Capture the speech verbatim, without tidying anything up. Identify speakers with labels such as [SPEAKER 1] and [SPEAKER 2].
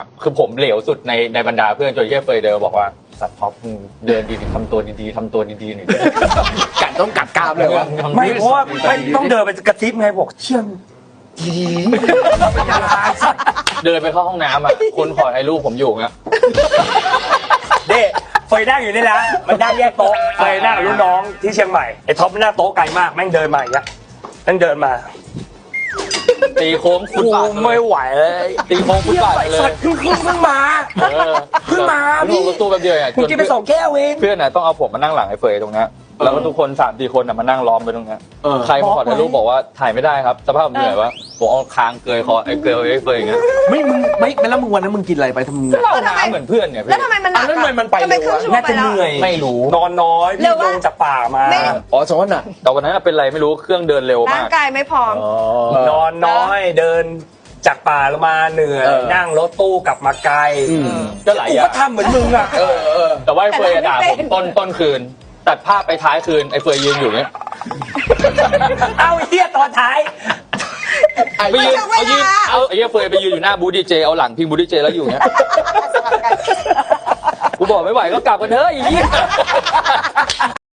[SPEAKER 1] คือผมเหลวสุดในในบรรดาเพื่อนจนเย่เฟยเดินบอกว่าสัตว์ท็อปเดินดีๆทำตัวดีๆทำตัวดีๆหน่อย
[SPEAKER 2] กัดต้องกัดกรามเลยวะ
[SPEAKER 3] ไม่เพราะว่าไม่ต้องเดินไปกระซิบไงบอกเชื่อม
[SPEAKER 1] เดินไปเข้าห้องน้ำอ่ะคนขอถ่ายรูปผมอยู่เงี้ย
[SPEAKER 3] เด้เฟยนั่งอยู่นี่นะมันนั่งแยกโต๊ะเฟยนั่งกับรุ่นน้องที่เชียงใหม่ไอ้ท็อปมันนั่งโต๊ะไกลมากแม่งเดินมาอย่างเงี้ยแม่งเดินมา
[SPEAKER 1] ตีโค้งฟุต
[SPEAKER 3] กู
[SPEAKER 1] บาท
[SPEAKER 3] ไม่ไหวเลย
[SPEAKER 1] ตีโค้งฟุตบาทเลย
[SPEAKER 3] เพิ่งเพิ่งเพิ่งมา
[SPEAKER 1] เออ
[SPEAKER 3] เพิ่งมา
[SPEAKER 1] พี่
[SPEAKER 3] พี่
[SPEAKER 1] รถตู้แป๊บเดียวอ่ะ
[SPEAKER 3] กูกินไปสองแก้วเอง
[SPEAKER 1] เพื่อนน่ะต้องเอาผมมานั่งหลังไอ้เฟยตรงนี้แล้วก็ทุกคนสามสี่คนน่ะมานั่งล้อมไปตรงนี้ใครมาขอถ่ายรูปบอกว่าถ่ายไม่ได้ครับสภาพผมเหนื่อยวะผมเอาคางเกยคอไอ้เกยไอ้เฟยอย่างเงี้ย
[SPEAKER 2] ไม่มึงไม่ไม่แล้วมึงวันนั้นมึงกินอะไรไปทำไม
[SPEAKER 1] เล่าน้ำเหมือนเพื่อนเนี่ยพี่
[SPEAKER 4] แล้วทำไมมันหนัก
[SPEAKER 2] แล้วทำไมมันไป
[SPEAKER 4] ทำไม
[SPEAKER 2] เร็ว
[SPEAKER 4] ครึ่ง
[SPEAKER 2] อะ
[SPEAKER 4] ชั่วโมง
[SPEAKER 3] น่า
[SPEAKER 4] ไป
[SPEAKER 3] จะ
[SPEAKER 4] แล้
[SPEAKER 3] เห
[SPEAKER 4] ว
[SPEAKER 3] นื่อย
[SPEAKER 1] ไม่รู้
[SPEAKER 3] นอนน้อย
[SPEAKER 4] เร็
[SPEAKER 3] พี่
[SPEAKER 4] ว
[SPEAKER 3] ล
[SPEAKER 4] วะ
[SPEAKER 3] งจากป่ามา
[SPEAKER 4] ไม่
[SPEAKER 2] อ๋อสองวันน่ะ
[SPEAKER 1] แต่วันนั้นนะเป็นไรไม่รู้เครื่องเดินเร็ว
[SPEAKER 4] ร่าม
[SPEAKER 1] าง ก
[SPEAKER 4] กายไม่พร้อม
[SPEAKER 2] อ๋อน
[SPEAKER 3] อนน้อยเดินจากป่าลงมาเหนื่อย
[SPEAKER 2] เออ
[SPEAKER 3] นั่งรถตู้กลับมาไกล
[SPEAKER 2] อืม
[SPEAKER 1] ก็หลาย
[SPEAKER 3] กู
[SPEAKER 1] อย่า
[SPEAKER 3] ก็
[SPEAKER 1] ง
[SPEAKER 3] ทำเหมือนมึงอ่ะ
[SPEAKER 2] เออเออ
[SPEAKER 1] แต่ว่าไอ้เฟยอะด่า
[SPEAKER 4] แต่
[SPEAKER 1] ผ
[SPEAKER 4] เรา
[SPEAKER 1] ม
[SPEAKER 4] ไม่เป็น
[SPEAKER 1] ต้นต้นคืน ตัดภาพไปท้ายคืนไอ้เฟยยืนอยู่เนี่ย
[SPEAKER 3] เอาเฮียตอนท้าย
[SPEAKER 1] ไปยืนเอายืนเอาไอ้เหี้ยเฟยไปยืนอยู่หน้าบูธดีเจเอาหลังพิงบูธดีเจแล้วอยู่เนี่ยกูบอกไม่ไหวก็กลับกันเถอะไอ้เหี้ย